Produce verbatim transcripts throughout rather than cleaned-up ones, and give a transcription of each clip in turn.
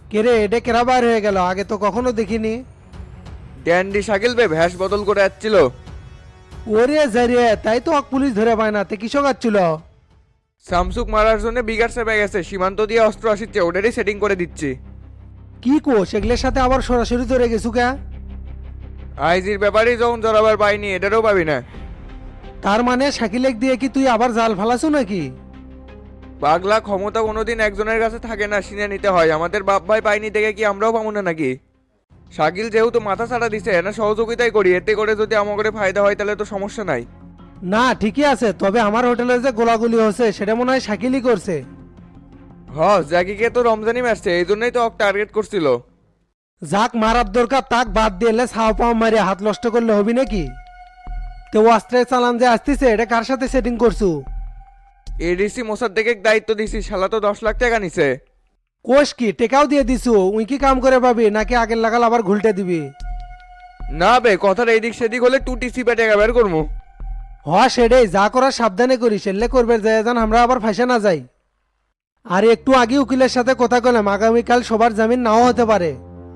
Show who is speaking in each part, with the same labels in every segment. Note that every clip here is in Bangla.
Speaker 1: কেরে এটা কেরা বার হয়ে গেল, আগে তো কখনো দেখিনি।
Speaker 2: ড্যান্ডি শাকিল বে ভ্যাস বদল করে যাচ্ছিল।
Speaker 1: ওরে জারিয়ে তাই তো ওকে পুলিশ ধরে পায় না, তে কৃষক আসছিল।
Speaker 2: সামসুক মারার জন্য বিগার চেপে গেছে, সীমান্ত দিয়ে অস্ত্র আসছে, ওটারই সেটিং করে দিচ্ছি।
Speaker 1: কি কো সেগুলোর সাথে আবার সরাসরি ধরে গেছু কে?
Speaker 2: আইজির ব্যাপারেই যখন জড়াবার পাইনি, এটারও পাবি না।
Speaker 1: তার মানে শাকিলেক দিয়ে কি তুই আবার জাল ফালাছু নাকি?
Speaker 2: পাগলা, ক্ষমতা কোনোদিন একজনের কাছে থাকে না, সিনে নিতে হয়। আমাদের বাপ ভাই পাইনি দেখে কি আমরাও পাবো না নাকি? শাকিল যেহেতু মাথা ছাড়া দিছে না, সহযোগিতাই করি, এতে করে যদি আমাদের ফায়দা হয় তাহলে তো সমস্যা নাই।
Speaker 1: না ঠিকই আছে, তবে আমার হোটেলে যে গোলাগুলি হচ্ছে সেটা মনে হয় শাকিলই করছে।
Speaker 2: হ, জ্যাকিকে তো রমজানি মারছে, এই জন্যই তো ওকে টার্গেট করছিল।
Speaker 1: যাক মারার দরকার তাক বাদ দিলে ছাও পাও মারি হাত নষ্ট করলে হবি নাকি? তো অস্ত্রে চালান যে আসতেছে এটা কার সাথে সেটিং করছু?
Speaker 2: এডিসি মোসাদ্দেকে দায়িত্ব দিছি, শালা তো দশ লাখ টাকা নিছে।
Speaker 1: কোষ কি টেকাও দিয়ে দিছু? উই কি কাম করে পাবি নাকি আগের লাগাল আবার ঘুলটে দিবি?
Speaker 2: না বে, কথার এইদিক সেদিক হলে টু টিসি পে টাকা বের করবো।
Speaker 1: হ সেটাই, যা করার সাবধানে করিস, এলে করবে যায় যান আমরা আবার ফাঁসে না যাই। আর একটু আগে উকিলের সাথে কথা কলাম, আগামীকাল সবার জামিন নাও হতে পারে।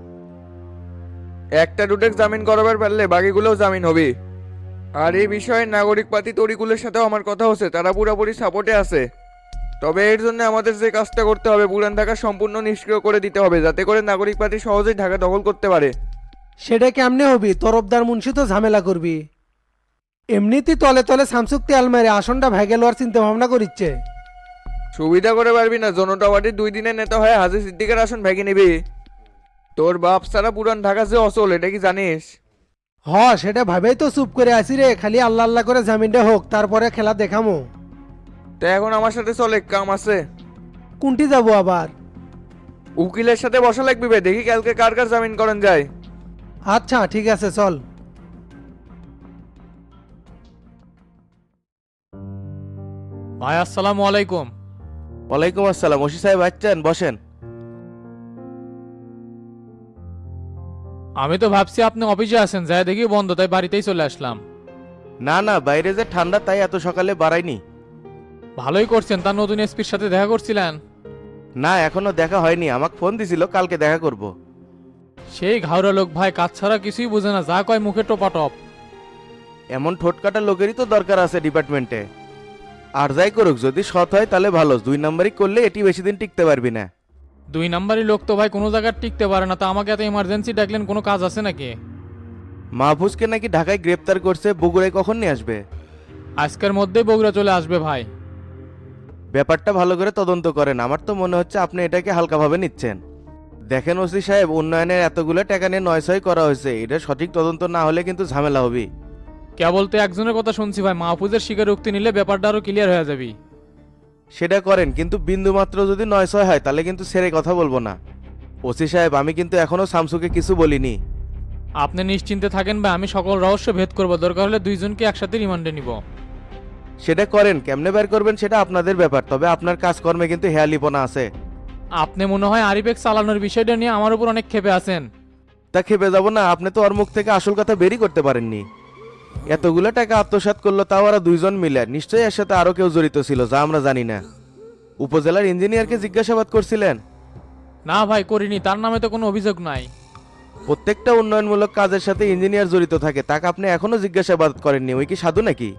Speaker 2: একটা দুটেক জামিন করাবার পারলে বাকিগুলোও জামিন হবে। আর এই বিষয়ে নাগরিক পাতি তরিকুলের সাথেও আমার কথা হচ্ছে, তারা পুরোপুরি সাপোর্টে আছে। তবে এর জন্য আমাদের যে কাজটা করতে হবে, পুরান ঢাকা সম্পূর্ণ নিষ্ক্রিয় করে দিতে হবে, যাতে করে নাগরিক পাতি সহজেই ঢাকা দখল করতে পারে।
Speaker 1: সেটা কেমনে হবি? তরফদার মুন্সি তো ঝামেলা করবি। এমনিতেই তলে তলে শামসুক তেল মেরে আসনটা ভেগে লওয়ার চিন্তা ভাবনা করিচ্ছে।
Speaker 2: সুবিধা করে পারবি না, জনতা পার্টির দুই দিনের নেতা হয়ে হাজি সিদ্দিকের আসন ভেঙে নিবি। তোর বাপ সারা পুরান ঢাকা যে অচল, এটা কি জানিস?
Speaker 1: হ সেটা ভাবেই তো চুপ করে আছি রে, খালি আল্লাহ আল্লাহ করে জামিনটা হোক তারপরে খেলা দেখামো।
Speaker 2: তো এখন আমার সাথে চলে, কাম আছে।
Speaker 1: কোনটি যাবো আবার?
Speaker 2: উকিলের সাথে বসা লাগবি বে, দেখি কালকে কার কার জামিন করেন যায়।
Speaker 1: আচ্ছা ঠিক আছে চল।
Speaker 3: ভাই আসসালামু আলাইকুম।
Speaker 4: ওয়ালাইকুম আসসালাম। ওসি সাহেব আসছেন, বসেন।
Speaker 3: আমি তো ভাবছি আপনি অফিসে আছেন, যাই দেখি বন্ধ, তাই বাড়িতেই চলে আসলাম।
Speaker 4: না না, বাইরে যে ঠান্ডা তাই এত সকালে বাড়াইনি।
Speaker 3: ভালোই করছেন, তার নতুন এসপির সাথে দেখা করছিলেন?
Speaker 4: না এখনো দেখা হয়নি, আমাকে ফোন দিছিল কালকে দেখা করব।
Speaker 3: সেই ঘাওড়া লোক ভাই, কাজ ছাড়া কিছুই বুঝে না, যা কয় মুখে টোপাটপ।
Speaker 4: এমন ঠোঁটকাটা লোকেরই তো দরকার আছে ডিপার্টমেন্টে। আর যাই করুক, যদি সৎ হয় তাহলে ভালো, দুই নাম্বারই করলে এটি বেশি দিন টিকতে পারবি না।
Speaker 3: দুই নাম্বারই লোক তো ভাই কোনো জায়গায় টিকতে পারে না, তা আমাকে এত ইমার্জেন্সি ডাকলেন, কোনো কাজ আছে নাকি?
Speaker 4: মাহফুজকে নাকি ঢাকায় গ্রেপ্তার করছে, বগুড়ায় কখন নিয়ে আসবে?
Speaker 3: আজকের মধ্যেই বগুড়া চলে আসবে ভাই।
Speaker 4: ব্যাপারটা ভালো করে তদন্ত করেন, আমার তো মনে হচ্ছে আপনি এটাকে হালকাভাবে নিচ্ছেন। দেখেন ওসি সাহেব, উন্নয়নের এতগুলো টাকা নিয়ে নয় ছয় করা হয়েছে, এটা সঠিক তদন্ত না হলে কিন্তু ঝামেলা হবে।
Speaker 3: কেবল তো একজনের কথা শুনছি ভাই, মাহফুজের স্বীকারোক্তি নিলে ব্যাপারটা আরো ক্লিয়ার হয়ে যাবে।
Speaker 4: সেটা করেন, কিন্তু বিন্দু মাত্র যদি নয় ছয় হয় তাহলে কিন্তু ছেড়ে কথা বলবো না। ওসি সাহেব, আমি কিন্তু এখনো শামসুকে কিছু বলিনি।
Speaker 3: আপনি নিশ্চিন্তে থাকেন ভাই, আমি সকল রহস্য ভেদ করবো, দরকার হলে দুইজনকে একসাথে রিমান্ডে নিব।
Speaker 4: সেটা করেন, কেমনে বের করবেন সেটা আপনাদের ব্যাপার, তবে আপনার কাজকর্মে কিন্তু হেয়ালিপনা আছে।
Speaker 3: আপনি মনে হয় আরিফেক চালানোর বিষয়টা নিয়ে আমার উপর অনেক ক্ষেপে আছেন।
Speaker 4: তা খেপে যাব না, আপনি তো ওর মুখ থেকে আসল কথা বেরই করতে পারেননি। এতগুলো টাকা আত্মসাৎ করলো, তাও ওরা দুইজন মিলে, নিশ্চয়ই এর সাথে আরো কেউ জড়িত ছিল যা আমরা জানি না। উপজেলার ইঞ্জিনিয়ারকে জিজ্ঞাসাবাদ করছিলেন?
Speaker 3: না ভাই করিনি, তার নামে তো কোনো অভিযোগ নাই।
Speaker 4: প্রত্যেকটা উন্নয়নমূলক কাজের সাথে ইঞ্জিনিয়ার জড়িত থাকে, তাকে আপনি এখনো জিজ্ঞাসাবাদ করেননি, ওই কি সাধু নাকি?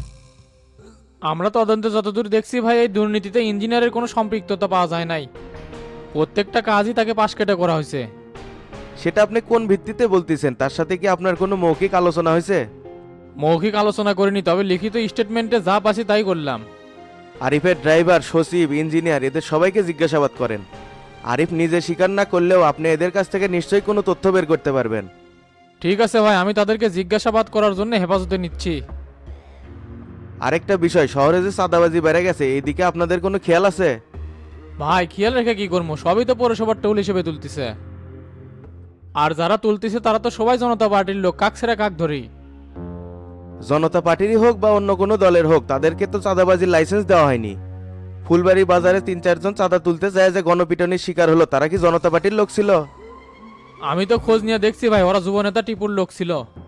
Speaker 3: আমরা তদন্তে যতদূর দেখছি ভাই, এই দুর্নীতিতে ইঞ্জিনিয়ারের কোনো সম্পৃক্ততা পাওয়া যায় নাই। প্রত্যেকটা কাজই তাকে পাশ কেটে করা হয়েছে।
Speaker 4: সেটা আপনি কোন ভিত্তিতে বলতেছেন? তার সাথে কি আপনার কোনো মৌখিক আলোচনা হয়েছে?
Speaker 3: মৌখিক আলোচনা করিনি, তবে লিখিত স্টেটমেন্টে যা পাচ্ছি তাই করলাম।
Speaker 4: আরিফের ড্রাইভার, সচিব, ইঞ্জিনিয়ার এদের সবাইকে জিজ্ঞাসাবাদ করেন। আরিফ নিজে স্বীকার না করলেও আপনি এদের কাছ থেকে নিশ্চয়ই কোনো তথ্য বের করতে পারবেন।
Speaker 3: ঠিক আছে ভাই, আমি তাদেরকে জিজ্ঞাসাবাদ করার জন্য হেফাজতে নিচ্ছি।
Speaker 4: আরেকটা বিষয়, শহরে যে চাঁদাবাজি বেড়ে গেছে, এইদিকে আপনাদের কোনো খেয়াল আছে?
Speaker 3: ভাই খেয়াল রেখে কি করবো, সবই তো পৌরসভার টোল হিসেবে তুলতেছে। আর যারা তুলতেছে তারা তো সবাই জনতা পার্টির লোক, কাক ছেড়া কাক ধরি।
Speaker 4: জনতা পার্টিরই হোক বা অন্য কোনো দলের হোক, তাদেরকে তো চাঁদাবাজির লাইসেন্স দেওয়া হয়নি। ফুলবাড়ি বাজারে তিন চারজন চাঁদা তুলতে যায় যে গণপিটনির শিকার হলো, তারা কি জনতা পার্টির লোক ছিল?
Speaker 3: আমি তো খোঁজ নিয়ে দেখছি ভাই, ওরা যুবনেতা টিপুর লোক ছিল।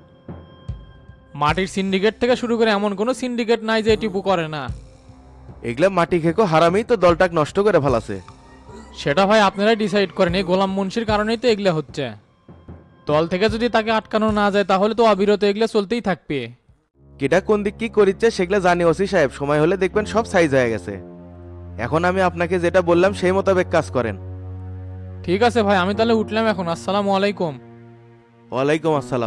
Speaker 3: মাটির সিন্ডিকেট থেকে শুরু করে এমন কোনো সিন্ডিকেট নাই যে টিপু করে না।
Speaker 4: এগুলা মাটি খেকো হারামেই তো দলটাক নষ্ট করে ফেলাছে।
Speaker 3: সেটা ভাই আপনারাই ডিসাইড করেন, এই গোলাম মুন্সির কারণেই তো এগুলো হচ্ছে। দল থেকে যদি তাকে আটকানো না যায় তাহলে তো অবিরত এগুলো চলতেই থাকবে।
Speaker 4: কিটা কোন দিক কি করিচ্ছে সেগুলো জানি ওসি সাহেব, সময় হলে দেখবেন সব সাইজ হয়ে গেছে। এখন আমি আপনাকে যেটা বললাম সেই মোতাবেক কাজ করেন।
Speaker 3: ঠিক আছে ভাই, আমি তাহলে উঠলাম এখন। আসসালামু আলাইকুম।
Speaker 4: ওয়ালাইকুম আসসালাম।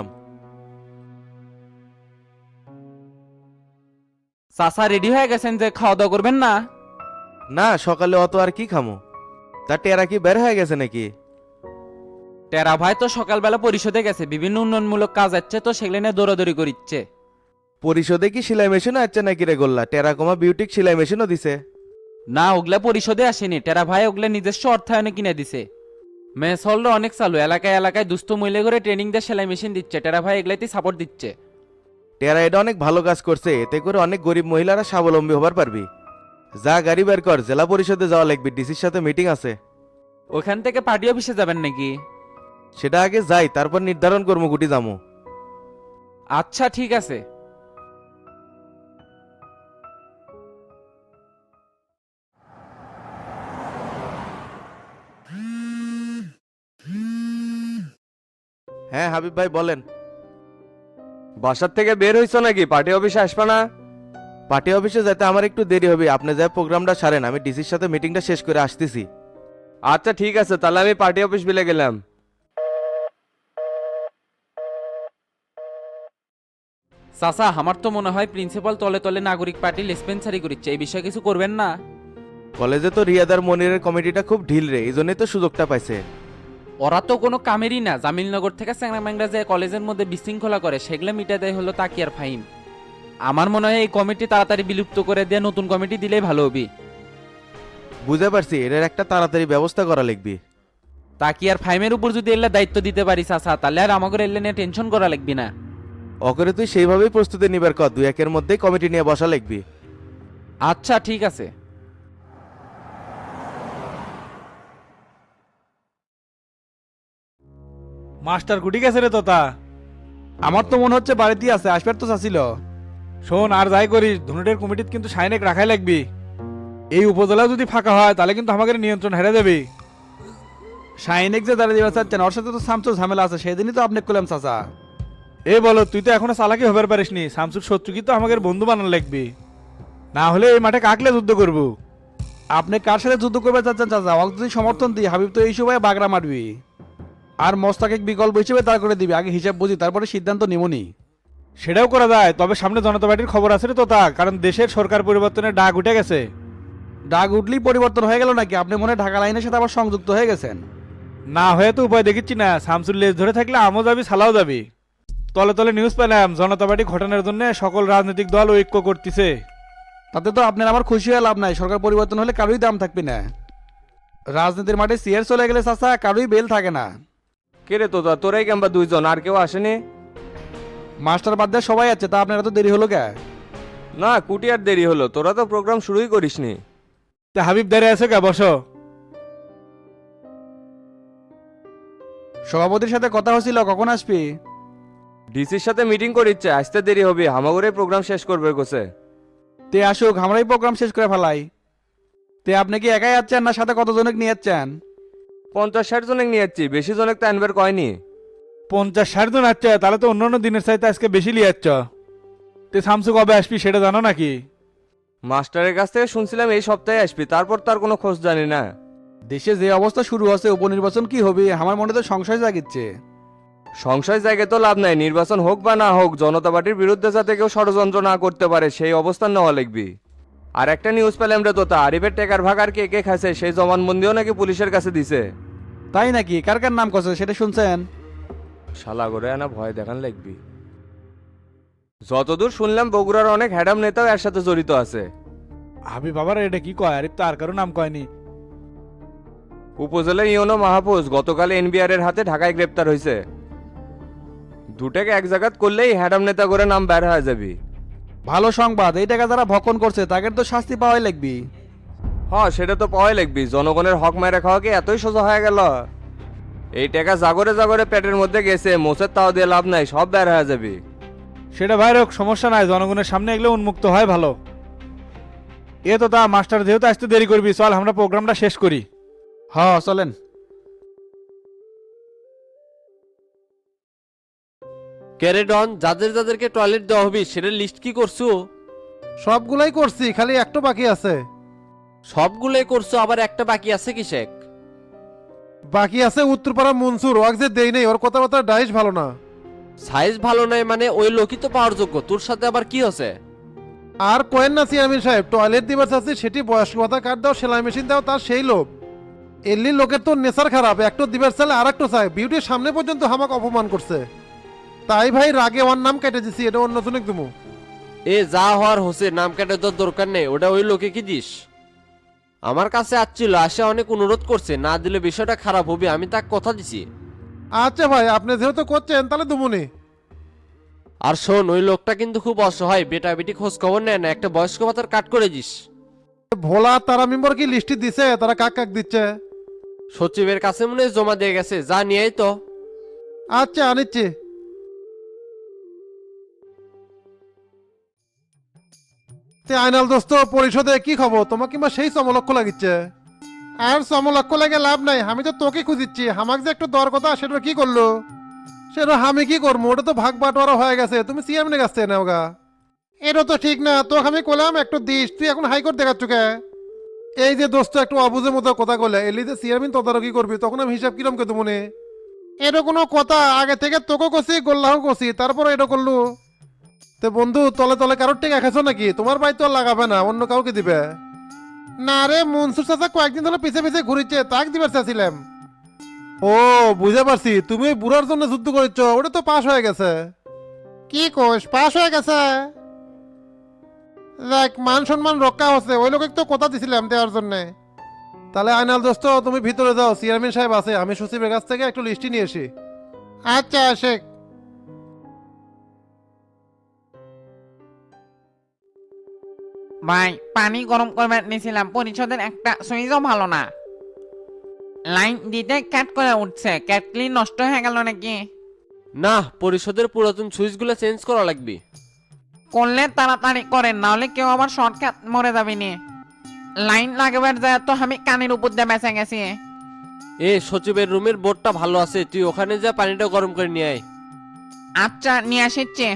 Speaker 5: চাচা রেডি হয়ে গেছেন যে খাওয়া দাওয়া করবেন না?
Speaker 4: না, সকালে অত আর কি খামো। তা টেরা কি বের হয়ে গেছে নাকি?
Speaker 5: টেরা ভাই তো সকালবেলা পরিষদে গেছে, বিভিন্ন উন্নয়নমূলক কাজ আছে তো সেগুলো নিয়ে দৌড়াদৌড়ি করিচ্ছে।
Speaker 4: পরিষদে কি সেলাই মেশিনও আছে নাকি রে গোল্লা? টেরাকোমা বিউটিক সেলাই মেশিনও দিছে।
Speaker 5: না, ওগুলা পরিষদে আসেনি, টেরা ভাই ওগুলা নিজস্ব অর্থায়নে কিনে দিছে। মেস হলটা অনেক চালু, এলাকায় এলাকায় দুস্থ মহিলা করে ট্রেনিং দিয়ে সেলাই মেশিন দিচ্ছে, টেরা ভাই এগুলাতেই সাপোর্ট দিচ্ছে।
Speaker 4: টেরা এটা অনেক ভালো কাজ করছে, এতে করে অনেক গরিব মহিলারা স্বাবলম্বী হবার পারবি। যা গাড়ি বের কর, জেলা পরিষদে যাওয়া লাগবে, ডিসির সাথে মিটিং আছে।
Speaker 5: ওখান থেকে পার্টি অফিসে যাবেন নাকি?
Speaker 4: সেটা আগে যাই, তারপর নির্ধারণ করবো গুটি যাবো।
Speaker 5: আচ্ছা ঠিক আছে।
Speaker 4: হ্যাঁ হাবিব ভাই বলেন।
Speaker 2: বাসার থেকে বের হইছো নাকি? পার্টি অফিসে আসবে না?
Speaker 4: পার্টি অফিসে যেতে আমার একটু দেরি হবে, আপনি যা প্রোগ্রামটা সারেন, আমি ডিসির সাথে মিটিংটা শেষ করে আসতেছি।
Speaker 2: আচ্ছা ঠিক আছে, তাহলে আমি পার্টি অফিস বিলে গেলাম।
Speaker 5: চাচা আমার তো মনে হয় প্রিন্সিপাল তলে তলে নাগরিক পার্টি লেসপেন্সারি করছে, এই বিষয়ে কিছু করবেন না?
Speaker 4: কলেজে তো রিয়াদার মনিরের কমিটিটা খুব ঢিল রে, এই জন্যই তো সুযোগটা পাইছে।
Speaker 5: ওরা তো কোনো কামেরই না, জামিলনগর থেকে চ্যাংরা ম্যাংরা যে কলেজের মধ্যে বিশৃঙ্খলা করে সেগুলো মিটা দেয় হলো তাকিয়ার ফাইন। আমার মনে হয় এই কমিটি তাড়াতাড়ি বিলুপ্ত করে দিয়ে নতুন কমিটি দিলেই ভালো হবে।
Speaker 4: বুঝতে পারছি, এর একটা তাড়াতাড়ি ব্যবস্থা করা লাগবে।
Speaker 5: তাকিয়ার ফাইমের উপর যদি এলে দায়িত্ব দিতে পারি চাচা, তাহলে আর আমাকে এলে নিয়ে টেনশন করা লাগবে না।
Speaker 4: অকরে তুই সেইভাবেই প্রস্তুতি নিবার কর, দুই একের মধ্যেই কমিটি নিয়ে বসা লাগবে।
Speaker 5: আচ্ছা ঠিক আছে।
Speaker 6: মাস্টার কুটি গেছে রে তোতা? আমার তো মনে হচ্ছে বাড়িতেই আছে, আসবার তো চাচ্ছিল। শোন, আর যাই করিস ধনুটের কমিটিত কিন্তু সাইনেক রাখাই লাগবি। এই উপজেলা যদি ফাঁকা হয় তাহলে কিন্তু আমাদের নিয়ন্ত্রণ হেরে যাবে। সাইনেক যে দাঁড়িয়ে দিবা চাচ্ছেন, ওর সাথে তো শামসুর ঝামেলা আছে, সেদিনই তো আপনি করলাম চাচা। এ বলো, তুই তো এখনো চালাকি হবার পারিস নি, শামসুর শত্রু কি তো আমাদের বন্ধু বানানো লাগবে, না হলে এই মাঠে কাকলে যুদ্ধ করবো। আপনি কার সাথে যুদ্ধ করবে চাচ্ছেন চাচা? ওকে যদি সমর্থন দিই, হাবিব তো এই সময় বাগড়া মারবি আর মস্তাকে বিকল্প হিসেবে দাঁড় করে দিবি। আগে হিসাব বুঝি, তারপরে সিদ্ধান্ত নিমনি। সেটাও করা যায়, তবে সামনে জনতা পার্টির খবর আছে রে তোতা, কারণ দেশের সরকার পরিবর্তনের ডাক উঠে গেছে। ডাক উঠলেই পরিবর্তন হয়ে গেল নাকি? আপনি মনে হয় ঢাকা লাইনের সাথে আবার সংযুক্ত হয়ে গেছেন? না হয়ে তো উপায় দেখিচ্ছি না, শামসুর লেজ ধরে থাকলে আমও যাবি, সালাও যাবি। তলে তলে নিউজ পেলাম জনতা পার্টি ঘটনার জন্য সকল রাজনৈতিক দল ঐক্য করতেছে। তাতে তো আপনার আমার খুশি হয়ে লাভ নাই, সরকার পরিবর্তন হলে কারোই দাম থাকবে না। রাজনীতির মাঠে সিয়ার চলে গেলে চাচা কারোই বেল থাকে না।
Speaker 2: কে রে তোতা, তোরাই কিংবা দুইজন, আর কেউ আসেনি?
Speaker 6: মাস্টার বাদ দিয়ে সবাই আছে, তা আপনার এত দেরি হলো কে?
Speaker 2: না, কুটি আর দেরি হলো, তোরা তো প্রোগ্রাম শুরুই করিসনি।
Speaker 6: তা হাবিব দাঁড়িয়ে আছে কে? বসো। সভাপতির সাথে কথা হয়েছিল, কখন আসবি?
Speaker 2: ডিসির সাথে মিটিং করিচ্ছে, আসতে দেরি হবে, হামাগুড়ে প্রোগ্রাম শেষ করবে গোছে।
Speaker 6: তে আসুক, আমরাই প্রোগ্রাম শেষ করে ফেলাই। তে আপনি কি একাই যাচ্ছেন না সাথে কতজনক নিয়ে যাচ্ছেন?
Speaker 2: পঞ্চাশ ষাট জনেক নিয়ে যাচ্ছি, বেশি জনেক তো আনবার কয়নি।
Speaker 6: পঞ্চাশ ষাট জন আসছে, তাহলে তো অন্যান্য দিনের চাইতে আজকে বেশি লিয়ে যাচ্ছ। তে শামসু কবে আসবি সেটা জানো নাকি?
Speaker 2: মাস্টারের কাছ থেকে শুনছিলাম এই সপ্তাহে আসবি, তারপর তার কোনো খোঁজ জানি না।
Speaker 6: দেশে যে অবস্থা শুরু হচ্ছে, উপনির্বাচন কি হবে আমার মনে তো সংশয় জাগিচ্ছে।
Speaker 2: সংশয় জায়গায় তো লাভ নাই, নির্বাচন হোক বা না হোক জনতা পার্টির বিরুদ্ধে যাতে কেউ ষড়যন্ত্র না করতে পারে সেই অবস্থান নেওয়া লাগবি। আর একটা নিউজ পেলাম রে তোতা, আরিফের টেকার ভাগ আর কে কে খাইছে সেই জবানবন্দিও নাকি পুলিশের কাছে দিছে।
Speaker 6: তাই নাকি? কার কার নাম কছে সেটা শুনছেন?
Speaker 2: শালা করে আনা ভয় দেখান লাগবি। যতদূর শুনলাম বগুড়ার অনেক হ্যাডাম নেতাও এর সাথে জড়িত আছে।
Speaker 6: হাবি বাবার এটা কি কয়? আরিফ তো আর কারো নাম কয়নি।
Speaker 2: উপজেলা ইউনো মাহফুজ গতকাল এনবিআর এর হাতে ঢাকায় গ্রেপ্তার হয়েছে। দুটাকে এক জায়গাত করলেই হ্যাডাম নেতা করে নাম বের হয়ে যাবি।
Speaker 6: ভালো সংবাদ, এই টাকা যারা ভক্ষণ করছে তাদের তো শাস্তি পাওয়াই লাগবি।
Speaker 2: হ্যাঁ সেটা তো পাওয়াই লাগবি, জনগণের হক মেরে খাওয়া কি এতই সোজা হয়ে গেল? এই টাকা জাগরে জাগরে পেটের মধ্যে গেছে, মোচের তাও দিয়ে লাভ নাই, সব বের হয়ে যাবি।
Speaker 6: সেটা ভাই হোক, সমস্যা নাই, জনগণের সামনে এগুলো উন্মুক্ত হয় ভালো। এ তো তা মাস্টার যেহেতু আসতে দেরি করবি, চল আমরা প্রোগ্রামটা শেষ করি। হ চলেন।
Speaker 7: ক্যারেডন, যাদের যাদেরকে টয়লেট দেওয়া হবে সেটার লিস্ট কি করছো?
Speaker 1: সবগুলাই করছি, খালি একটু বাকি আছে।
Speaker 7: সবগুলোই করছো, আবার একটা বাকি আছে কি শেখ?
Speaker 1: বাকি আছে উত্তরপাড়া মনসুর, ওয়াক যে দেই নেই, ওর কথাবার্তা ডাইস ভালো না।
Speaker 7: সাইজ ভালো নাই মানে ওই লোকই তো পাওয়ার যোগ্য, তোর সাথে আবার কি হচ্ছে?
Speaker 1: আর কোয়েন না চেয়ারম্যান সাহেব, টয়লেট দিবার চাচ্ছি সেটি বয়স্ক ভাতা কার্ড দাও, সেলাই মেশিন দাও, তার সেই লোভ। এলি লোকের তো নেশার খারাপ, একটু দিবার চাইলে আর একটু চাই, বিউটির সামনে পর্যন্ত আমাকে অপমান করছে। তাই ভাই রাগে ওর নাম কেটে দিছি, এটা অন্য জনক তুমি।
Speaker 7: এ যা হওয়ার হচ্ছে, নাম কাটে তোর দরকার নেই, ওটা ওই লোকে কি দিস? আমার কাছে আসছিল, আসে অনেক অনুরোধ করছে, না দিলে বিষয়টা খারাপ হবে, আমি তাকে কথা দিছি।
Speaker 1: আচ্ছা ভাই, আপনি যেহেতু করছেন তাহলে দুমুনি।
Speaker 7: আর শোন, ওই লোকটা কিন্তু খুব অসহায়, বেটা বেটি খোঁজ খবর নেয় না, একটা বয়স্ক ভাতার কাট করে দিস।
Speaker 1: ভোলা তারা মেম্বার কি লিস্টি দিছে, তারা কাক কাক দিচ্ছে?
Speaker 7: সচিবের কাছে মনে হয় জমা দিয়ে গেছে, যা নিয়েই তো।
Speaker 1: আচ্ছা আনিচ্ছি। তে আইনাল দোস্ত, পরিষদে কি খবর? তোমার কিংবা সেই সমলক্ষ লাগিচ্ছে? আর সমলক্ষ লাগে লাভ নাই, আমি তো তোকে খুঁজিচ্ছি, আমাকে যে একটু দর কথা সেটা কি করলো? সেটা আমি কি করবো, ওটা তো ভাগ বাটোয়ারা হয়ে গেছে, তুমি সিএমের কাছ থেকে নেওগা। এটা তো ঠিক না, তোকে আমি কলাম একটু দিস, তুই এখন হাইকোর্ট দেখাচ্ছ কে? এই যে দোস্ত একটু অবুঝের মতো কথা কলে, এলি যে চেয়ারম্যান তদারকি করবি, তখন আমি হিসাব কিরম কে মনে? এটা কোনো কথা? আগে থেকে তোকে কষি গোল্লাহ কষি, তারপর এটা করলু। তো বন্ধু, তলে তলে কারোর টেকা খেছো নাকি? তোমার বাড়ি তো আর লাগাবে না, অন্য কাউকে দিবে। না রে, মনসুর চাচা কয়েকদিন ধরে পিছে পিছে ঘুরিচ্ছে, তাক দিবার চাচ্ছিলাম। ও বুঝতে পারছি, তুমি ওই বুড়ার জন্য যুদ্ধ করেছ, ওটা তো পাশ হয়ে গেছে। কি কোষ পাশ হয়ে গেছে? দেখ, মান সম্মান রক্ষা হচ্ছে, ওই লোকে তো কথা দিছিলাম দেওয়ার জন্য। তাহলে আইনাল দোস্ত, তুমি ভিতরে যাও, চেয়ারম্যান সাহেব আছে, আমি সচিবের কাছ থেকে একটু লিস্টি নিয়ে আসি। আচ্ছা শেখ।
Speaker 8: ভাই, পানি গরম করবার নিয়েছিলাম, পরিষদের একটা সুইচও ভালো না, লাইন দিতে ক্যাট করে উঠছে, ক্যাটলি নষ্ট হয়ে গেল নাকি?
Speaker 7: না, পরিষদের পুরাতন সুইচগুলো চেঞ্জ করা লাগবে।
Speaker 8: করলে তাড়াতাড়ি করেন, নাহলে কেউ আবার শর্টকাট মরে যাবে নি। লাইন লাগাবার যায় তো আমি কানের উপর দিয়ে বেঁচে গেছি।
Speaker 7: এ সচিবের রুমের বোর্ডটা ভালো আছে, তুই ওখানে যা পানিটা গরম করে নিয়ে আয়।
Speaker 8: আচ্ছা, নিয়ে আসিচ্ছে।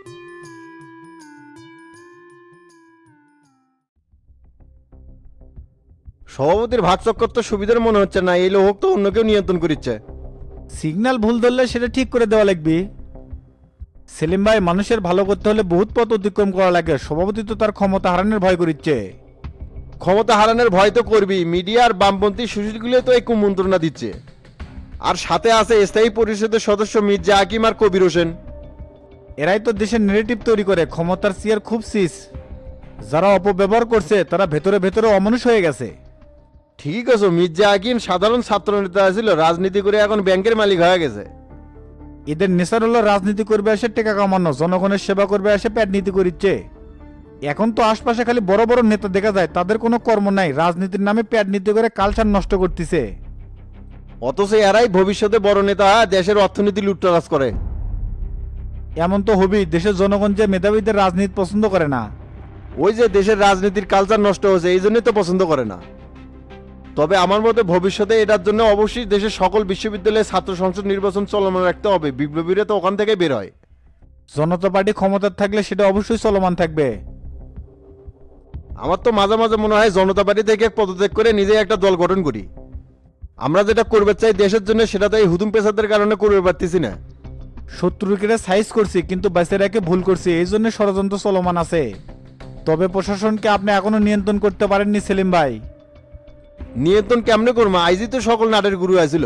Speaker 9: সভাপতির ভাগ চক্কর তো সুবিধার মনে হচ্ছে না, এই লোক তো অন্য কেউ নিয়ন্ত্রণ করিচ্ছে।
Speaker 6: সিগন্যাল ভুল ধরলে সেটা ঠিক করে দেওয়া লাগবে। সেলিম ভাই, মানুষের ভালো করতে হলে বহুত পথ অতিক্রম করা লাগে, সভাপতি তো তার ক্ষমতা হারানোর ভয় করিচ্ছে।
Speaker 9: ক্ষমতা হারানোর ভয় তো করবি, মিডিয়া আর বামপন্থী সুশীলগুলো তো এই কুমন্ত্রণা দিচ্ছে। আর সাথে আছে স্থায়ী পরিষদের সদস্য মির্জা হাকিম আর কবির হোসেন।
Speaker 6: এরাই তো দেশের নেগেটিভ তৈরি করে, ক্ষমতার চেয়ার খুব সিস। যারা অপব্যবহার করছে তারা ভেতরে ভেতরে অমানুষ হয়ে গেছে।
Speaker 9: ঠিক আছে, মির্জা হাকিম সাধারণ ছাত্র নেতা ছিল, রাজনীতি করে এখন ব্যাংকের মালিক হয়ে গেছে।
Speaker 6: এদের নেশার হলো রাজনীতি করবে এসে টেকা কামানো, জনগণের সেবা করবে এসে প্যাট নীতি করিচ্ছে। এখন তো আশপাশে খালি বড় বড় নেতা দেখা যায়, তাদের কোনো কর্ম নাই, রাজনীতির নামে প্যাট নীতি করে কালচার নষ্ট করতেছে।
Speaker 9: অথচ এরাই ভবিষ্যতে বড় নেতা হয়ে দেশের অর্থনীতি লুটতরাজ করে।
Speaker 6: এমন তো হবেই, দেশের জনগণ যে মেধাবীদের রাজনীতি পছন্দ করে না।
Speaker 9: ওই যে দেশের রাজনীতির কালচার নষ্ট হয়েছে, এই জন্যই তো পছন্দ করে না। তবে আমার মতে ভবিষ্যতে এটার জন্য অবশ্যই দেশের সকল বিশ্ববিদ্যালয়ে ছাত্র সংসদ নির্বাচন চলমান রাখতে হবে, বিপ্লবীরা তো ওখান থেকে বের হয়।
Speaker 6: জনতা পার্টি ক্ষমতার থাকলে সেটা অবশ্যই চলমান থাকবে।
Speaker 9: আমার তো মাঝে মাঝে মনে হয় জনতা পার্টি থেকে পদত্যাগ করে নিজে একটা দল গঠন করি। আমরা যেটা করবে চাই দেশের জন্য, সেটা তো এই হুদুম পেশাদের কারণে করবে পারতেছি না।
Speaker 6: শত্রুকে সাইজ করছি কিন্তু বাইসে রেখে ভুল করছি, এই জন্য ষড়যন্ত্র চলমান আছে। তবে প্রশাসনকে আপনি এখনো নিয়ন্ত্রণ করতে পারেননি সেলিম ভাই।
Speaker 9: নিয়ন্ত্রণ কেমনে করবো? আইজি তো সকল নাটের গুরু আছিল।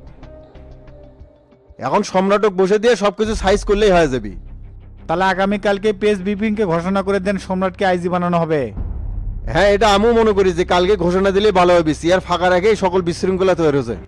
Speaker 9: এখন সম্রাটক বসে দিয়ে সবকিছু সাইজ করলেই হয়ে যাবে।
Speaker 6: তাহলে আগামীকালকে প্রেস ব্রিফিংকে ঘোষণা করে দেন, সম্রাটকে আইজি বানানো হবে।
Speaker 9: হ্যাঁ, এটা আমিও মনে করি যে কালকে ঘোষণা দিলেই ভালো হবে, সিআর ফাঁকা রেখেই সকল বিশৃঙ্খলা তৈরি হয়েছে।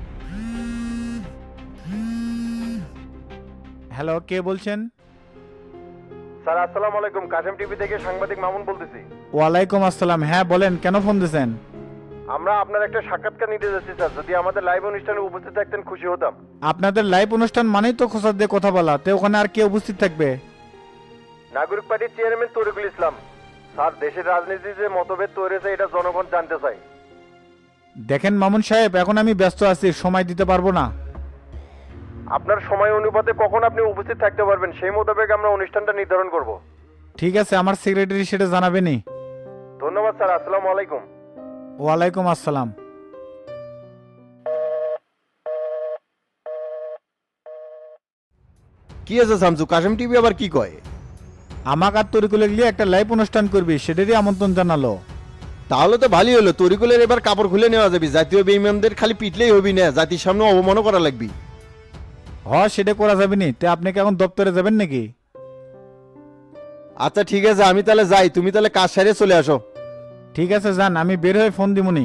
Speaker 6: হ্যালো, কে বলছেন?
Speaker 9: স্যার আসসালামু আলাইকুম, কাশেম টিভি থেকে সাংবাদিক মামুন বলতেছি।
Speaker 6: ওয়ালাইকুম আসসালাম। হ্যাঁ বলেন, কেন ফোন দিয়েছেন?
Speaker 9: আমরা আপনার একটা সাক্ষাৎকার নিতে যাচ্ছি স্যার, যদি আমাদের লাইভ অনুষ্ঠানে উপস্থিত থাকতেন খুশি হতাম।
Speaker 6: আপনাদের লাইভ অনুষ্ঠান মানেই তো খোঁচা দিয়ে কথা বলা, তে ওখানে আর কে উপস্থিত থাকবে?
Speaker 9: নাগরিক পার্টির চেয়ারম্যান তরিকুল ইসলাম। স্যার, দেশের রাজনীতিতে যে মতভেদ তৈরি হয়েছে এটা জনগণ জানতে চায়।
Speaker 6: দেখেন মামুন সাহেব, এখন আমি ব্যস্ত আছি, সময় দিতে পারবো না।
Speaker 9: আপনার সময় অনুপাতে কখন আপনি উপস্থিত থাকতে পারবেন সেই মোতাবেক আমরা অনুষ্ঠানটা নির্ধারণ করব।
Speaker 6: ঠিক আছে, আমার সেক্রেটারি সেটা জানাবেনি।
Speaker 9: ধন্যবাদ স্যার, আসসালামু আলাইকুম।
Speaker 6: ওয়ালাইকুম আসসালাম।
Speaker 9: কি আছে শামসু, কাশেম টিভি আবার কি কয়?
Speaker 6: আমাকে আর তরিকুলে গিয়ে একটা লাইভ অনুষ্ঠান করবি, সেটারই আমন্ত্রণ জানালো।
Speaker 9: তাহলে তো ভালোই হলো, তরিকুলের এবার কাপড় খুলে নেওয়া যাবে। জাতীয় বেঈমানদের খালি পিটলেই হবি না, জাতির সামনে অবমানও করা লাগবে।
Speaker 6: হ, সেটা করা যাবে নি। তে আপনি কি এখন দপ্তরে যাবেন নাকি?
Speaker 9: আচ্ছা ঠিক আছে, আমি তাহলে যাই, তুমি তাহলে কাজ সারিয়ে চলে আসো।
Speaker 6: ঠিক আছে যান, আমি বের হয়ে ফোন দিমুনি।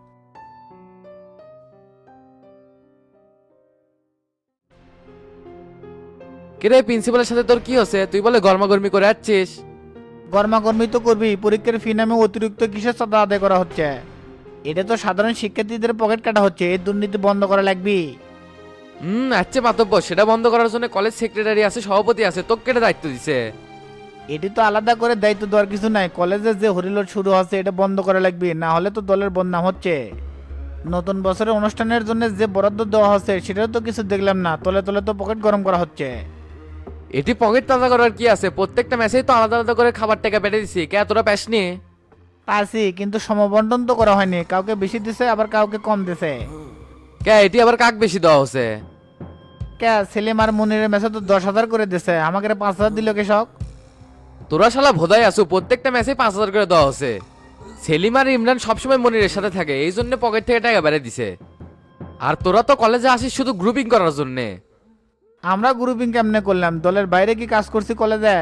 Speaker 5: কিরে প্রিন্সিপালের সাথে তোর কি হচ্ছে? তুই বলে গরমাগরমি করে আসছিস।
Speaker 10: গরমাগরমি তো করবি, পরীক্ষার ফি নামে অতিরিক্ত কিসের চাঁদা আদায় করা হচ্ছে? এটা তো সাধারণ শিক্ষার্থীদের পকেট কাটা হচ্ছে, এই দুর্নীতি বন্ধ করা লাগবে।
Speaker 5: হুম, আচ্ছা মাতব্য, সেটা বন্ধ করার জন্য কলেজ সেক্রেটারি আছে, সভাপতি আছে, তোকে কেটে দায়িত্ব দিছে।
Speaker 10: এটি তো আলাদা করে দায়িত্ব দেওয়ার কিছু নাই, কলেজে যে হরিলোড শুরু হচ্ছে এটা বন্ধ করা লাগবে, না হলে তো দলের বদনাম হচ্ছে। নতুন বছরের অনুষ্ঠানের জন্য যে বরাদ্দ দেওয়া হচ্ছে সেটাও তো কিছু দেখলাম না, তলে তলে তো পকেট গরম করা হচ্ছে।
Speaker 5: এটি পকেট তাজা করার কি আছে? প্রত্যেকটা ম্যাচেই তো আলাদা আলাদা করে খাবার টাকা পেটে দিছি, কে তোরা প্যাসনি?
Speaker 10: পারছি, কিন্তু সমবন্টন তো করা হয়নি, কাউকে বেশি দিছে আবার কাউকে কম দিছে।
Speaker 5: কে এটি আবার কাক বেশি দেওয়া হচ্ছে?
Speaker 10: কে সেলিম আর মনিরের মেসে তো দশ হাজার করে দিছে, আমাকে পাঁচ হাজার দিল কৃষক।
Speaker 5: তোরা শালা ভোদাই আসু, প্রত্যেকটা ম্যাচে পাঁচ হাজার করে দেওয়া হচ্ছে। সেলিম আর ইমরান সবসময় মনিরের সাথে থাকে, এই জন্য পকেট থেকে টাকা বেড়ে দিছে। আর তোরা তো কলেজে আসিস শুধু গ্রুপিং করার জন্যে।
Speaker 10: আমরা গ্রুপিং কেমনে করলাম? দলের বাইরে কি কাজ করছি কলেজে?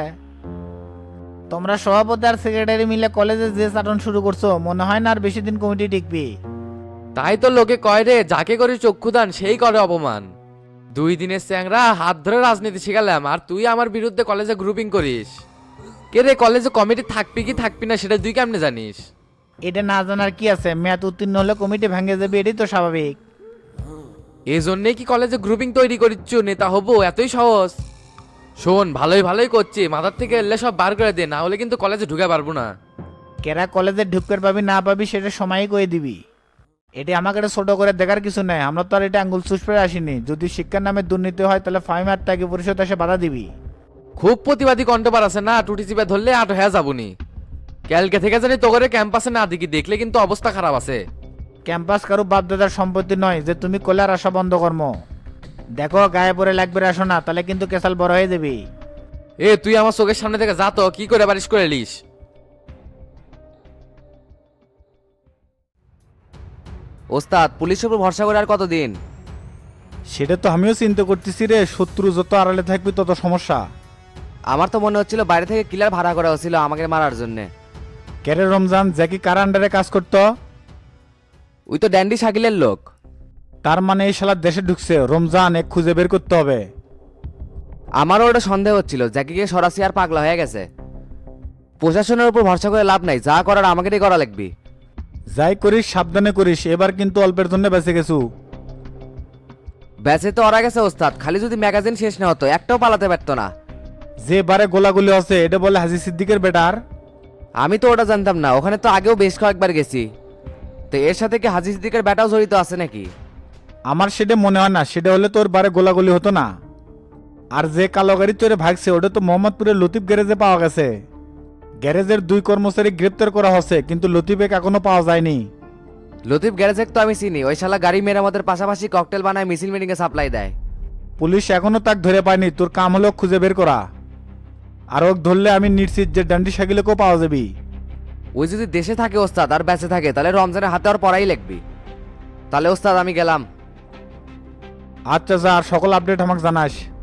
Speaker 10: তোমরা সভাপতি আর সেক্রেটারি মিলে কলেজে যে চাটন শুরু করছো, মনে হয় না আর বেশি দিন কমিটি টিকবি।
Speaker 5: তাই তো লোকে কয় রে, যাকে করি চক্ষুদান সেই করে অপমান। দুই দিনের চ্যাংরা হাত ধরে রাজনীতি শিখালাম, আর তুই আমার বিরুদ্ধে কলেজে গ্রুপিং করিস। কে রে, কলেজে কমিটি থাকবি কি থাকবি না সেটা তুই কেমনে জানিস?
Speaker 10: এটা না জানার কি আছে? মেয়াদ উত্তীর্ণ হলে কমিটি ভেঙে যাবে, এটাই তো স্বাভাবিক।
Speaker 5: এই জন্যে কি কলেজে গ্রুপিং তৈরি করিচ্ছ? নেতা হবো এতই সহজ? শোন, ভালোই ভালোই করছি, মাথার থেকে এলে সব বার করে দে, না হলে কিন্তু কলেজে ঢুকে পারবো না।
Speaker 10: কেরা কলেজে ঢুকতে পাবি না পাবি সেটা সময়ই করে দিবি। এটা আমাকে একটা ছোট করে দেখার কিছু নাই, আমরা তো আর এটা আঙ্গুল চুষপে আসিনি। যদি শিক্ষার নামে দুর্নীতি হয় তাহলে ফাইন আর তাকে পরিষদ এসে বাধা দিবি।
Speaker 5: খুব প্রতিবাদী কণ্ঠবার আছে না, টুটি চিপে ধরলে আট হয়ে যাবনি। ক্যালকে থেকে জানি তো করে ক্যাম্পাসে না দেখি, দেখলে কিন্তু অবস্থা খারাপ আছে।
Speaker 10: ক্যাম্পাস কারো বাপদাদার সম্পত্তি নয় যে তুমি কলার আশা বন্ধ কর্ম। দেখো গায়ে পরে লাগবে আসো না, তাহলে কিন্তু কেসাল বড় হয়ে যাবি।
Speaker 5: এ তুই আমার চোখের সামনে থেকে যা তো, কি করে বারিশ করে লিস?
Speaker 11: ওস্তাদ, পুলিশের উপর ভরসা করে আর কতদিন?
Speaker 6: সেটা তো আমিও চিন্তা করতেছি রে, শত্রু যত আড়ালে থাকবি তত সমস্যা।
Speaker 11: আমার তো মনে হচ্ছিল বাইরে থেকে কিলার ভাড়া করা হচ্ছিল আমাকে মারার জন্য।
Speaker 6: কেরে রমজান, জ্যাকি কার আন্ডারে কাজ করতো?
Speaker 11: ওই তো ড্যান্ডি শাকিলের লোক।
Speaker 6: তার মানে এই শালা দেশে ঢুকছে। রমজান, এক খুঁজে বের করতে হবে।
Speaker 11: আমারও ওটা সন্দেহ হচ্ছিল, জ্যাকিকে সরাসরি আর পাগলা হয়ে গেছে। প্রশাসনের উপর ভরসা করে লাভ নাই, যা করার আমাকেই করা লাগবে।
Speaker 6: যাই করিস সাবধানে করিস, এবার কিন্তু অল্পের জন্য বেঁচে গেছু।
Speaker 11: ব্যাচে তো ওরা গেছে ওস্তাদ, খালি যদি ম্যাগাজিন শেষ না হতো একটাও পালাতে পারতো না।
Speaker 6: যে বারে গোলাগুলি আছে এটা বলে হাজি সিদ্দিকের বেটার।
Speaker 11: আমি তো ওটা জানতাম না, ওখানে তো আগেও বেশ কয়েকবার গেছি। তো এর সাথে কি হাজি সিদ্দিকের বেটাও জড়িত আছে নাকি?
Speaker 6: আমার সেটা মনে হয় না, সেটা হলে তোর বারে গোলাগুলি হতো না। আর যে কালো গাড়ি চড়ে ভাগছে ওটা তো মোহাম্মদপুরের লতিফ গ্যারেজে পাওয়া গেছে। গ্যারেজের দুই কর্মচারী গ্রেপ্তার করা হচ্ছে, কিন্তু লতিফেক এখনো পাওয়া যায়নি।
Speaker 11: লতিফ গ্যারেজেক তো আমি চিনি, ওই শালা গাড়ি মেরামতের পাশাপাশি ককটেল বানায় মিছিল মিটিংয়ে সাপ্লাই দেয়।
Speaker 6: পুলিশ এখনো তাক ধরে পায়নি, তোর কাম হলো খুঁজে বের করা। আর ওক ধরলে আমি নিশ্চিত যে ডান্ডি সাইকেলেকেও পাওয়া যাবি।
Speaker 11: ওই যদি দেশে থাকে ওস্তাদ আর বেঁচে থাকে, তাহলে রমজানের হাতে আর পড়াই লাগবে। তাহলে ওস্তাদ আমি গেলাম।
Speaker 6: আচ্ছা যা, আর সকল আপডেট আমাকে জানাস।